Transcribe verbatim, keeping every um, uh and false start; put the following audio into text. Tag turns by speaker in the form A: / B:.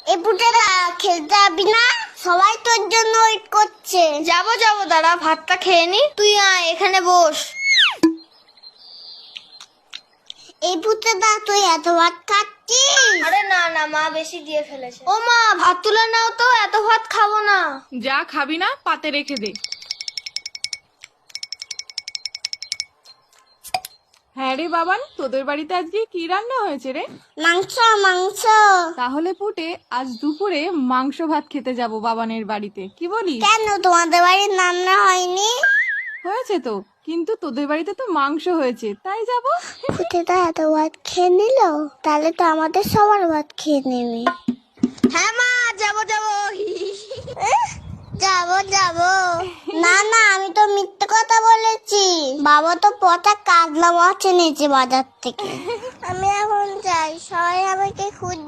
A: এই পুটেরা খেলতে যাবি না? সবাই তোর জন্য ওয়েট করছে।
B: যাবো যাবো, দাঁড়া ভাতটা খেয়ে নি। তুই আয় এখানে বস।
A: এই পুটেরা তুই এত ভাত খাচ্ছিস?
B: আরে না না, মা বেশি দিয়ে ফেলেছে। ও মা, ভাত তুলে নাও তো, এত ভাত খাবো না।
C: যা খাবি না পাতে রেখে দে। হ্যাঁ রে বাবান, তোদের বাড়িতে আজকে কি রান্না হয়েছে রে?
A: মাংস মাংস।
C: তাহলে পুটে আজ দুপুরে মাংস ভাত খেতে যাব বাবানের বাড়িতে, কি বলিস?
A: কেন তোমাদের বাড়ির রান্না হয়নি?
C: হয়েছে তো, কিন্তু তোদের বাড়িতে তো মাংস হয়েছে, তাই যাব।
A: পুটেরা এত ভাত খেয়ে নিল, তাহলে তো আমাদের সবার ভাত খেয়ে নেবে।
B: হ্যাঁ মা, যাবো যাবো।
A: যাবো যাবো। না না, আমি তো মিথ্যে কথা বলেছি। বাবা তো পচা কাজলা মাছ এনেছে বাজার থেকে। আমি এখন যাই, সবাই আমাকে খুঁজ